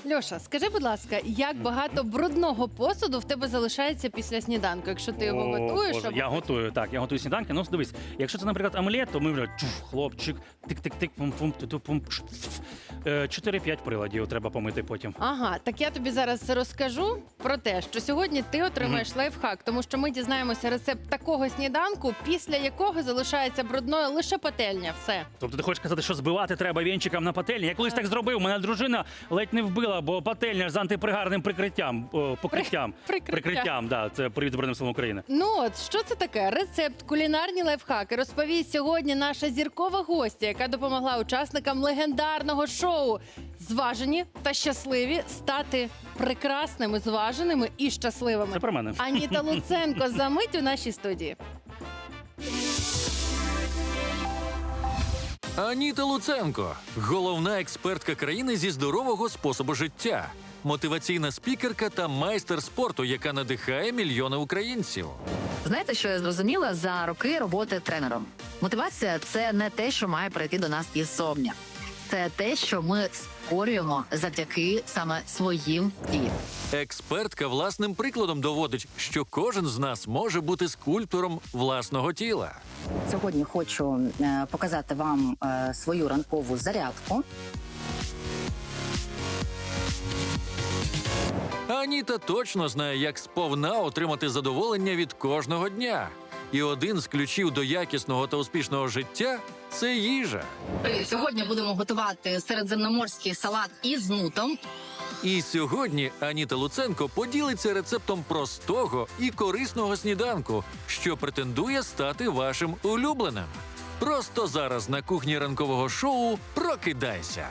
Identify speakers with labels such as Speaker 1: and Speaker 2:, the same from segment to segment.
Speaker 1: Льоша, скажи, будь ласка, як багато брудного посуду в тебе залишається після сніданку, якщо ти його готуєш?
Speaker 2: Боже,
Speaker 1: або-
Speaker 2: я готую, так, я готую сніданки. Ну, дивись, якщо це, наприклад, омлет, то ми вже хлопчик, тик-тик-тик, пум-пум, ту-ту-пум, 4-5 приладів треба помити потім.
Speaker 1: Ага, так я тобі зараз розкажу про те, що сьогодні ти отримаєш лайфхак, тому що ми дізнаємося рецепт такого сніданку, після якого залишається брудною лише пательня. Все.
Speaker 2: Тобто ти хочеш сказати, що збивати треба вінчиком на пательні? Я колись так зробив, мене дружина ледь не вбила, бо пательня з антипригарним прикриттям, да, це привіт Збройним силам України.
Speaker 1: Ну от, що це таке? Рецепт, кулінарні лайфхаки розповість сьогодні наша зіркова гостя, яка допомогла учасникам легендарного шоу «Зважені та щасливі» стати прекрасними, зваженими і щасливими.
Speaker 2: Це про мене.
Speaker 1: Аніта Луценко за мить у нашій студії.
Speaker 3: Аніта Луценко – головна експертка країни зі здорового способу життя, мотиваційна спікерка та майстер спорту, яка надихає мільйони українців.
Speaker 4: Знаєте, що я зрозуміла за роки роботи тренером? Мотивація – це не те, що має прийти до нас іззовні. Це те, що ми створюємо завдяки саме своїм діям.
Speaker 3: Експертка власним прикладом доводить, що кожен з нас може бути скульптором власного тіла.
Speaker 5: Сьогодні хочу показати вам свою ранкову зарядку.
Speaker 3: Аніта точно знає, як сповна отримати задоволення від кожного дня. І один з ключів до якісного та успішного життя – це їжа.
Speaker 4: Сьогодні будемо готувати середземноморський салат із нутом.
Speaker 3: І сьогодні Аніта Луценко поділиться рецептом простого і корисного сніданку, що претендує стати вашим улюбленим. Просто зараз на кухні ранкового шоу «Прокидайся».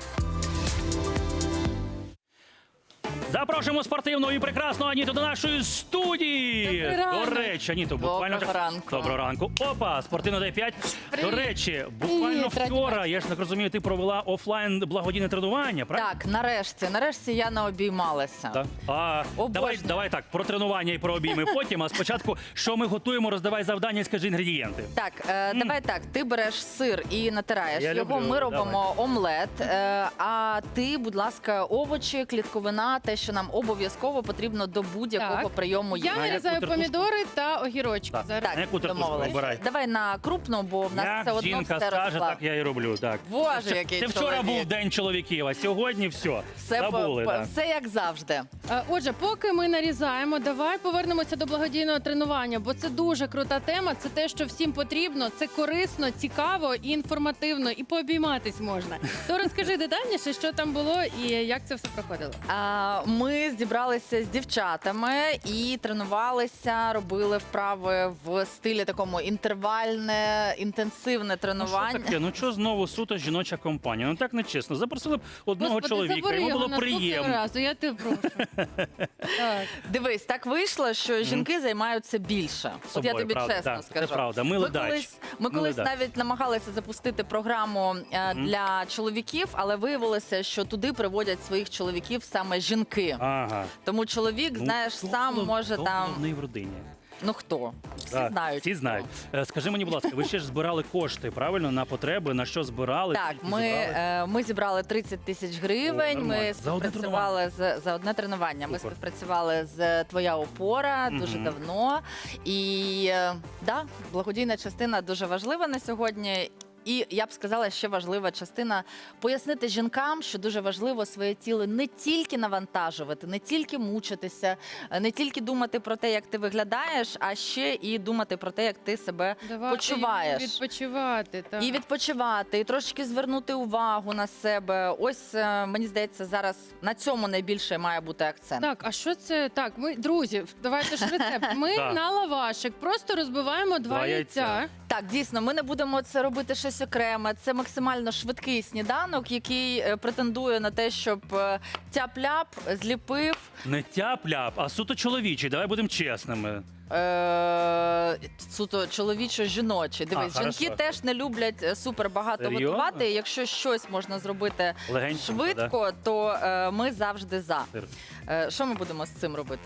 Speaker 2: Запрошуємо спортивну і прекрасну Аніту до нашої студії.
Speaker 1: Добрий ранок.
Speaker 2: До речі, Аніто, буквально
Speaker 6: Доброго ранку.
Speaker 2: Доброго ранку. Опа, спортивна Д5. До речі, буквально
Speaker 1: Привіт,
Speaker 2: вчора, я ж так розумію, ти провела офлайн благодійне тренування, правильно?
Speaker 6: Так, нарешті я наобіймалася.
Speaker 2: Так. Давай так, про тренування і про обійми потім, а спочатку, що ми готуємо, роздавай завдання і скажи інгредієнти.
Speaker 6: Так, давай так, ти береш сир і натираєш
Speaker 2: Я
Speaker 6: його,
Speaker 2: люблю,
Speaker 6: ми робимо
Speaker 2: давай.
Speaker 6: омлет, а ти, будь ласка, овочі, клітковина, те, що нам обов'язково потрібно до будь-якого
Speaker 1: Так.
Speaker 6: прийому
Speaker 1: Я
Speaker 6: їжі.
Speaker 1: нарізаю
Speaker 2: яку
Speaker 1: помідори та огірочки.
Speaker 2: Так.
Speaker 1: Зараз.
Speaker 2: На яку тарілку
Speaker 6: домовились.
Speaker 2: вибирай?
Speaker 6: Давай на крупну, бо в нас
Speaker 2: Як
Speaker 6: все одно
Speaker 2: жінка
Speaker 6: все
Speaker 2: скаже,
Speaker 6: розклад.
Speaker 2: так я і роблю. Так.
Speaker 6: Боже, який
Speaker 2: Це вчора
Speaker 6: чоловік.
Speaker 2: був день чоловіків, а сьогодні все.
Speaker 6: Все,
Speaker 2: Забули. так.
Speaker 6: все як завжди.
Speaker 1: Отже, поки ми нарізаємо, давай повернемося до благодійного тренування, бо це дуже крута тема. Це те, що всім потрібно. Це корисно, цікаво і інформативно, і пообійматись можна. То розкажи детальніше, що там було і як це все проходило.
Speaker 6: Ми зібралися з дівчатами і тренувалися, робили вправи в стилі такому інтервальне, інтенсивне
Speaker 2: Ну що
Speaker 6: тренування.
Speaker 2: таке? Ну що знову суто жіноча компанія? Ну так не чесно. Запросили б одного
Speaker 1: Господи,
Speaker 2: чоловіка,
Speaker 1: забери
Speaker 2: йому
Speaker 1: його
Speaker 2: було
Speaker 1: наступного
Speaker 2: приємно.
Speaker 1: разу, я тебе прошу. Так.
Speaker 6: Дивись, так вийшло, що жінки займаються більше. От я
Speaker 2: Собою,
Speaker 6: тобі
Speaker 2: правда,
Speaker 6: чесно
Speaker 2: так, це
Speaker 6: скажу.
Speaker 2: правда. Ми ледач.
Speaker 6: Ми
Speaker 2: Ми
Speaker 6: колись
Speaker 2: ледач.
Speaker 6: навіть намагалися запустити програму для чоловіків, але виявилося, що туди приводять своїх чоловіків саме жінки.
Speaker 2: Ага.
Speaker 6: Тому чоловік,
Speaker 2: Ну,
Speaker 6: знаєш,
Speaker 2: хто
Speaker 6: сам
Speaker 2: голов-
Speaker 6: може
Speaker 2: хто
Speaker 6: там.
Speaker 2: головний в родині.
Speaker 6: Ну хто? Всі
Speaker 2: Так,
Speaker 6: знають.
Speaker 2: Всі знають. Скажи мені, будь ласка, ви ще ж збирали кошти, правильно, на потреби, на що збирали?
Speaker 6: Так,
Speaker 2: скільки зібрали?
Speaker 6: ми зібрали 30 тисяч гривень.
Speaker 2: О,
Speaker 6: Ми
Speaker 2: нормально. За одне
Speaker 6: співпрацювали за одне тренування. Ми
Speaker 2: Супер.
Speaker 6: співпрацювали з Твоя опора дуже давно. І да, благодійна частина дуже важлива на сьогодні. І я б сказала, ще важлива частина пояснити жінкам, що дуже важливо своє тіло не тільки навантажувати, не тільки мучитися, не тільки думати про те, як ти виглядаєш, а ще і думати про те, як ти себе
Speaker 1: Давати
Speaker 6: почуваєш.
Speaker 1: йому відпочивати. Так.
Speaker 6: І відпочивати, і трошки звернути увагу на себе. Ось, мені здається, зараз на цьому найбільше має бути акцент.
Speaker 1: Так, а що це? Так, ми, друзі, давайте ж рецепт. Ми
Speaker 2: Так.
Speaker 1: на лавашик просто розбиваємо два
Speaker 2: Два
Speaker 1: яйця.
Speaker 2: яйця.
Speaker 6: Так, дійсно, ми не будемо це робити щось окреме. Це максимально швидкий сніданок, який претендує на те, щоб тяп-ляп зліпив.
Speaker 2: Не тяп-ляп, а суто чоловічий. Давай будемо чесними.
Speaker 6: Суто чоловічо-жіночі. Дивись,
Speaker 2: А,
Speaker 6: жінки
Speaker 2: хорошо.
Speaker 6: теж не люблять супер багато
Speaker 2: Серйозно?
Speaker 6: готувати. Якщо щось можна зробити
Speaker 2: Легенько,
Speaker 6: швидко, то ми завжди за.
Speaker 2: Сир.
Speaker 6: Що ми будемо з цим робити?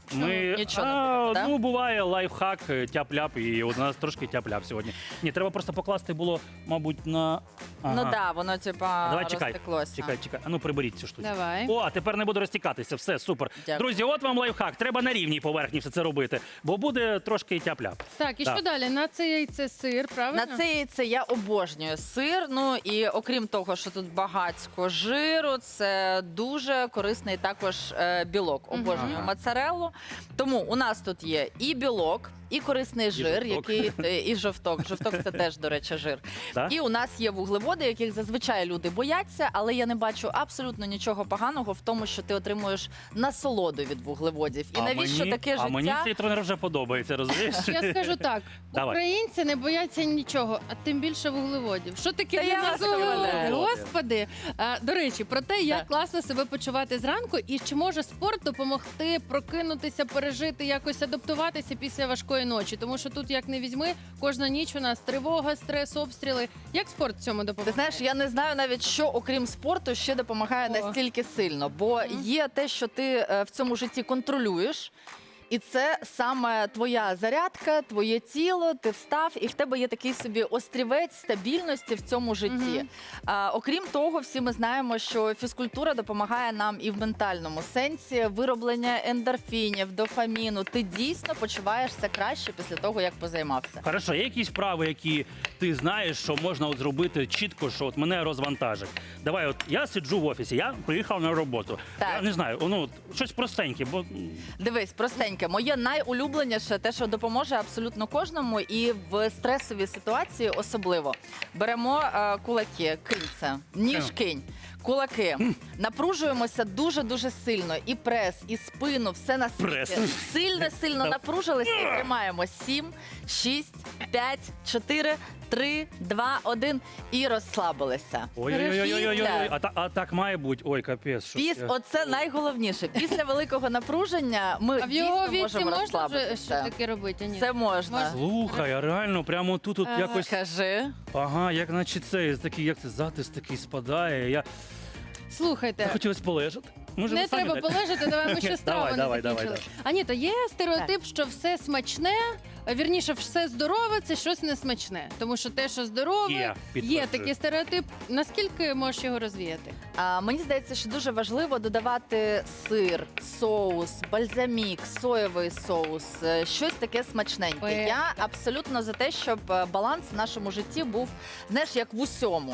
Speaker 6: Нічого не буде, да?
Speaker 2: Ну, буває лайфхак, тяп-ляп, і от у нас трошки тяп-ляп сьогодні. Ні, треба просто покласти було, мабуть, на...
Speaker 6: Ну да, воно типа
Speaker 2: Давай, чекай,
Speaker 6: розтеклося.
Speaker 2: чекай. А ну, приберіть цю штуку.
Speaker 1: Давай.
Speaker 2: О, а тепер не буде розтікатися, все, супер.
Speaker 6: Дякую.
Speaker 2: Друзі, от вам лайфхак, треба на рівній поверхні все це робити, бо буде трошки тяп-ляп.
Speaker 1: Так, і
Speaker 2: Так.
Speaker 1: що далі? На це яйце сир, правильно?
Speaker 6: На це яйце я обожнюю сир. Ну і окрім того, що тут багатько жиру, це дуже корисний також білок. Обожнюю
Speaker 2: Ага.
Speaker 6: моцареллу. Тому у нас тут є і білок, і корисний жир,
Speaker 2: жовток.
Speaker 6: і жовток. Жовток це теж, до речі, жир.
Speaker 2: Так?
Speaker 6: І у нас є вуглеводи, яких зазвичай люди бояться, але я не бачу абсолютно нічого поганого в тому, що ти отримуєш насолоду від вуглеводів. І навіщо таке життя?
Speaker 2: А мені цей тренер вже подобається, розумієш?
Speaker 1: Я скажу так:
Speaker 2: Давай.
Speaker 1: українці не бояться нічого, а тим більше вуглеводів. Що таке
Speaker 6: Та
Speaker 1: для
Speaker 6: я
Speaker 1: нас
Speaker 6: вас
Speaker 1: вуглеводи?
Speaker 6: умоляю.
Speaker 1: Господи. До речі, про те, як
Speaker 6: Так.
Speaker 1: класно себе почувати зранку, і чи може спорт допомогти прокинутися, пережити, якось адаптуватися після важкої ночі. Тому що тут, як не візьми, кожна ніч у нас тривога, стрес, обстріли. Як спорт в цьому
Speaker 6: Ти
Speaker 1: допомагає?
Speaker 6: знаєш, я не знаю навіть, що окрім спорту ще допомагає
Speaker 1: О.
Speaker 6: настільки сильно, бо є те, що ти в цьому житті контролюєш. І це саме твоя зарядка, твоє тіло, ти встав, і в тебе є такий собі острівець стабільності в цьому житті.
Speaker 1: Мгм.
Speaker 6: Окрім того, всі ми знаємо, що фізкультура допомагає нам і в ментальному сенсі вироблення ендорфінів, дофаміну. Ти дійсно почуваєшся краще після того, як позаймався.
Speaker 2: Хорошо, є якісь вправи, які ти знаєш, що можна от зробити чітко, що от мене розвантажить. Давай, от я сиджу в офісі, я приїхав на роботу.
Speaker 6: Так.
Speaker 2: Я не знаю, ну от щось простеньке, бо
Speaker 6: Дивись, простеньке. Моє найулюбленіше, те, що допоможе абсолютно кожному, і в стресовій ситуації особливо. Беремо кулаки, кинь це, ніж кинь, кулаки. Напружуємося дуже-дуже сильно. І прес, і спину, все на світі.
Speaker 2: Прес.
Speaker 6: Сильно напружилися і тримаємо. 7, 6, 5, 4, 3, 2, 1 і розслабилися.
Speaker 2: ой-ой-ой, а так має бути. Ой, капець. що це?
Speaker 6: Оце найголовніше. Після великого напруження ми
Speaker 1: А в його
Speaker 6: дійсно
Speaker 1: віці
Speaker 6: можемо
Speaker 1: можна вже
Speaker 6: розслабитися.
Speaker 1: що таке робити? Ні.
Speaker 6: Це можна.
Speaker 2: Слухай, а реально прямо тут якось,
Speaker 6: Скажи.
Speaker 2: ага, як наче це, такий, як це, затис такий спадає. Я
Speaker 1: Слухайте.
Speaker 2: захотілося полежати. Може,
Speaker 1: Не
Speaker 2: ви самі
Speaker 1: треба
Speaker 2: так?
Speaker 1: полежати, давай ми ще страву
Speaker 2: Давай,
Speaker 1: не закінчили. Аніто, є стереотип, що все смачне, вірніше, все здорове, це щось не смачне. Тому що те, що здорове,
Speaker 2: Є,
Speaker 1: є
Speaker 2: підтверджую.
Speaker 1: такий стереотип. Наскільки можеш його розвіяти?
Speaker 6: Мені здається, що дуже важливо додавати сир, соус, бальзамік, соєвий соус, щось таке смачненьке.
Speaker 1: Ой.
Speaker 6: Я абсолютно за те, щоб баланс в нашому житті був, знаєш, як в усьому.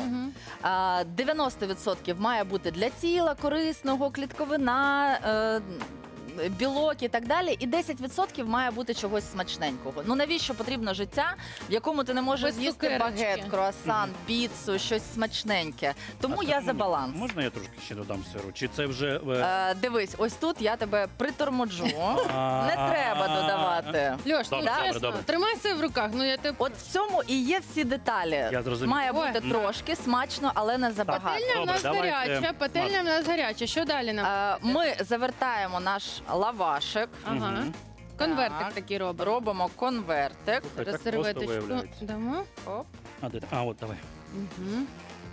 Speaker 6: 90% має бути для тіла корисного, клітковина, білок і так далі, і 10% має бути чогось смачненького. Ну навіщо потрібно життя, в якому ти не можеш
Speaker 1: Без
Speaker 6: з'їсти
Speaker 1: цукерочки.
Speaker 6: багет, круасан, піцу, щось смачненьке. Тому
Speaker 2: А
Speaker 6: я
Speaker 2: так
Speaker 6: за
Speaker 2: мені-
Speaker 6: баланс.
Speaker 2: Можна я трошки ще додам сиру? Чи це вже...
Speaker 6: Дивись, ось тут я тебе приторможу. Не треба додавати.
Speaker 1: Льош, ну
Speaker 2: Добре,
Speaker 1: чесно,
Speaker 2: добре.
Speaker 1: тримай себе в руках. Ну я тебе...
Speaker 6: От в цьому і є всі деталі.
Speaker 2: Я зрозумів.
Speaker 6: Має
Speaker 1: Ой.
Speaker 6: бути трошки смачно, але не забагато.
Speaker 1: Пательня в
Speaker 2: Добре,
Speaker 1: нас
Speaker 2: давайте
Speaker 1: гаряча, пательня в нас гаряча. Що далі нам?
Speaker 6: Ми завертаємо наш лавашик.
Speaker 1: Ага.
Speaker 2: Мгм.
Speaker 1: Конвертик
Speaker 6: Так.
Speaker 1: такий робимо.
Speaker 6: Робимо конвертик.
Speaker 2: Так просто
Speaker 1: Серветочку
Speaker 2: виявляється.
Speaker 1: дамо.
Speaker 6: Оп.
Speaker 2: А, от, давай.
Speaker 1: Мгм.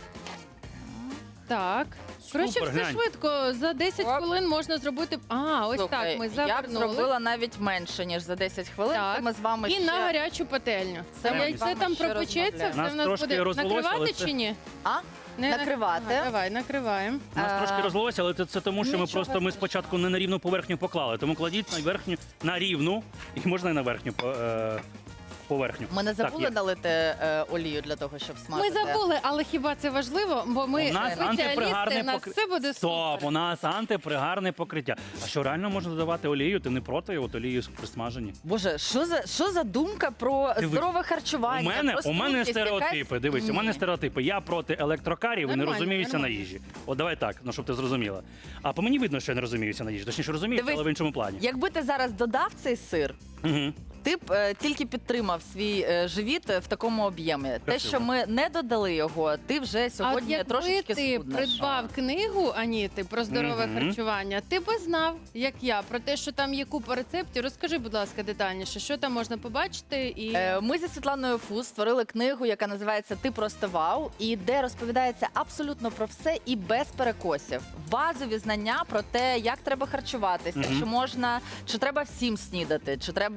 Speaker 1: Так. Коротше,
Speaker 2: Супер,
Speaker 1: все
Speaker 2: глянь.
Speaker 1: швидко. За 10
Speaker 6: Оп.
Speaker 1: хвилин можна зробити. Ось
Speaker 6: Слухай,
Speaker 1: так. Ми
Speaker 6: я б
Speaker 1: завернули.
Speaker 6: зробила навіть менше, ніж за 10 хвилин.
Speaker 1: Так.
Speaker 6: Це ми з вами
Speaker 1: І
Speaker 6: ще...
Speaker 1: на гарячу пательню.
Speaker 6: Це
Speaker 2: ми з
Speaker 1: Яйце
Speaker 6: вами
Speaker 1: там
Speaker 6: ще
Speaker 1: пропечеться,
Speaker 6: розмовляємо.
Speaker 1: все
Speaker 2: Нас
Speaker 1: в нас
Speaker 2: трошки
Speaker 1: буде.
Speaker 2: розвелося, але
Speaker 1: Накривати
Speaker 2: це-
Speaker 1: чи ні?
Speaker 6: А?
Speaker 1: Не
Speaker 6: Накривати.
Speaker 1: Ага, давай, накриваємо.
Speaker 2: У нас трошки розлилося, але це тому, що ми
Speaker 6: Нічого
Speaker 2: просто спочатку не на рівну поверхню поклали. Тому кладіть на верхню, на рівну, і можна і на верхню поверхню.
Speaker 6: Ми не
Speaker 2: Так,
Speaker 6: забули
Speaker 2: є.
Speaker 6: налити олію для того, щоб
Speaker 1: Ми
Speaker 6: смажити?
Speaker 1: забули, але хіба це важливо? Бо ми
Speaker 2: У нас
Speaker 1: спеціалісти,
Speaker 2: антипригарне
Speaker 1: у нас все буде
Speaker 2: Стоп,
Speaker 1: супер.
Speaker 2: у нас антипригарне покриття. А що реально можна додавати олію? Ти не проти от олії при смаженні?
Speaker 6: Боже, що за думка про
Speaker 2: Дивись,
Speaker 6: здорове харчування?
Speaker 2: У мене
Speaker 6: Про
Speaker 2: стереотипи.
Speaker 6: якась?
Speaker 2: Дивись, у мене
Speaker 6: Ні.
Speaker 2: стереотипи. Я проти електрокарів і не
Speaker 1: Нормально,
Speaker 2: розуміюся
Speaker 1: нормально.
Speaker 2: на їжі. От давай так, ну щоб ти зрозуміла. А по мені видно, що я не розуміюся на їжі. Точніше розуміюся,
Speaker 6: Дивись,
Speaker 2: але в іншому плані.
Speaker 6: Якби ти зараз додав цей сир,
Speaker 2: Угу.
Speaker 6: ти б тільки підтримав свій живіт в такому об'ємі. Те,
Speaker 2: Красиво.
Speaker 6: що ми не додали його, ти вже
Speaker 1: А от
Speaker 6: сьогодні
Speaker 1: якби
Speaker 6: трошечки
Speaker 1: ти
Speaker 6: схуднеш.
Speaker 1: придбав книгу Аніти про здорове
Speaker 2: Мгм.
Speaker 1: харчування, ти би знав, як я, про те, що там є купа рецептів. Розкажи, будь ласка, детальніше, що там можна побачити і
Speaker 6: Ми зі Світланою Фус створили книгу, яка називається Ти просто вау, і де розповідається абсолютно про все і без перекосів. Базові знання про те, як треба харчуватися,
Speaker 2: Мгм.
Speaker 6: чи треба всім снідати,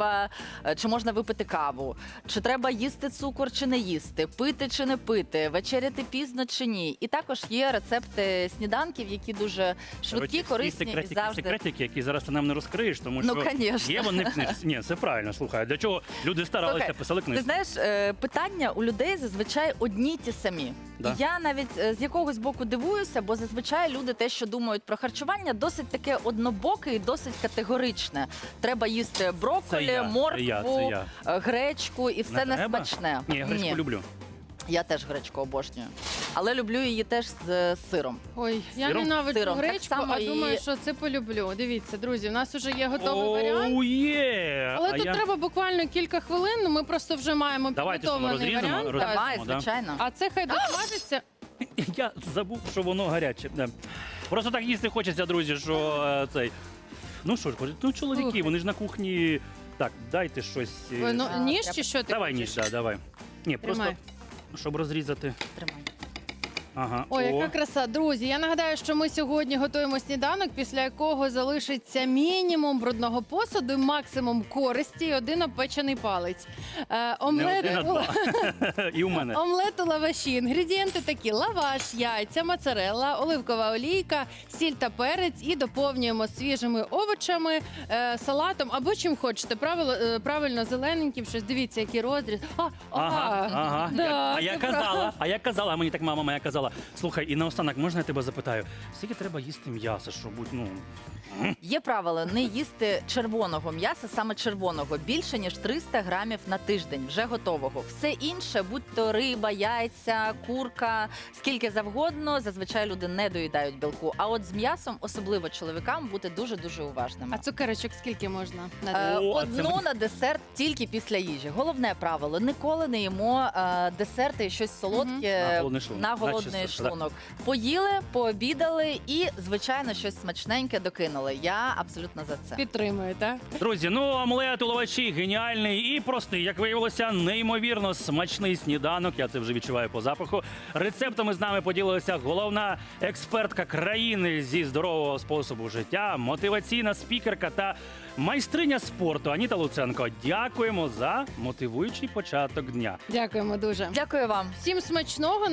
Speaker 6: чи можна випити каву, чи треба їсти цукор чи не їсти, пити чи не пити, вечеряти пізно чи ні. І також є рецепти сніданків, які дуже швидкі, корисні і завжди.
Speaker 2: Секретики, які зараз ти нам не розкриєш, тому
Speaker 6: Ну,
Speaker 2: що
Speaker 6: конечно.
Speaker 2: є вони в книжці. Ні, це правильно, слухай. Для чого люди старалися,
Speaker 6: Слухай,
Speaker 2: писали
Speaker 6: Ти
Speaker 2: книжку?
Speaker 6: знаєш, питання у людей зазвичай одні й ті самі.
Speaker 2: Да.
Speaker 6: І я навіть з якогось боку дивуюся, бо зазвичай люди те, що думають про харчування, досить таке однобоке і досить категоричне. Треба їсти брокколі,
Speaker 2: Це я,
Speaker 6: моркву,
Speaker 2: це
Speaker 6: гречку і все не
Speaker 2: треба?
Speaker 6: смачне.
Speaker 2: Ні, я гречку люблю.
Speaker 6: Я теж гречку обожнюю. Але люблю її теж з сиром.
Speaker 1: ой, я
Speaker 2: Сиром?
Speaker 1: ненавиджу
Speaker 6: Сиром, так
Speaker 1: гречку,
Speaker 6: само
Speaker 1: а
Speaker 6: і-
Speaker 1: думаю, що це полюблю. Дивіться, друзі, у нас вже є готовий варіант.
Speaker 2: Оу, є!
Speaker 1: Але
Speaker 2: А
Speaker 1: тут
Speaker 2: я-
Speaker 1: треба буквально кілька хвилин. Ну, ми просто вже маємо
Speaker 2: Давайте, що ми
Speaker 1: підготовлений
Speaker 2: розріжемо?
Speaker 1: варіант.
Speaker 2: Роз-
Speaker 1: Так.
Speaker 6: Давай,
Speaker 2: да.
Speaker 6: звичайно.
Speaker 1: А це хай досмажиться.
Speaker 2: Я забув, що воно гаряче. Да. Просто так їсти хочеться, друзі, що цей. Ну що ж, ну чоловіки,
Speaker 1: Слухай.
Speaker 2: вони ж на кухні. Так, дайте щось.
Speaker 1: Ой, ну,
Speaker 6: А,
Speaker 1: ніж
Speaker 6: я-
Speaker 1: чи що ти
Speaker 2: Давай
Speaker 1: хочеш?
Speaker 2: ніж, да, давай. Ні, просто
Speaker 1: Тримай.
Speaker 2: щоб розрізати.
Speaker 6: Тримай.
Speaker 2: Ага.
Speaker 1: Ой,
Speaker 2: О.
Speaker 1: яка краса. Друзі, я нагадаю, що ми сьогодні готуємо сніданок, після якого залишиться мінімум брудного посуду, і максимум користі і один обпечений палець.
Speaker 2: Не
Speaker 1: Омлет,
Speaker 2: один, а два. І у мене.
Speaker 1: омлет у лаваші. Інгредієнти такі: лаваш, яйця, моцарелла, оливкова олійка, сіль та перець. І доповнюємо свіжими овочами, салатом або чим хочете. Правильно, зелененьким щось. Дивіться, який розріз.
Speaker 2: Ага.
Speaker 1: Да,
Speaker 2: А я
Speaker 1: це
Speaker 2: казала, а мені так мама моя казала. Слухай, і наостанок, можна я тебе запитаю, скільки треба їсти м'яса, щоб бути, ну.
Speaker 6: Є правило не їсти червоного м'яса, саме червоного, більше ніж 300 грамів на тиждень, вже готового. Все інше, будь то риба, яйця, курка, скільки завгодно, зазвичай люди не доїдають білку. А от з м'ясом, особливо чоловікам, бути дуже-дуже уважними.
Speaker 1: А цукерочок скільки можна?
Speaker 2: О, а
Speaker 6: Одну
Speaker 2: це-
Speaker 6: на десерт тільки після їжі. Головне правило: ніколи не їмо десерти і щось солодке
Speaker 2: На голодний шлунок.
Speaker 6: на голодний
Speaker 2: Наче, да.
Speaker 6: шлунок. Поїли, пообідали і, звичайно, щось смачненьке докинули. Я абсолютно за це.
Speaker 1: Підтримую, так?
Speaker 2: Друзі, ну омлет у лаваші геніальний і простий, як виявилося, неймовірно смачний сніданок. Я це вже відчуваю по запаху. Рецептами з нами поділилася головна експертка країни зі здорового способу життя, мотиваційна спікерка та майстриня спорту Аніта Луценко. Дякуємо за мотивуючий початок дня.
Speaker 1: Дякуємо дуже.
Speaker 6: Дякую вам.
Speaker 1: Всім смачного.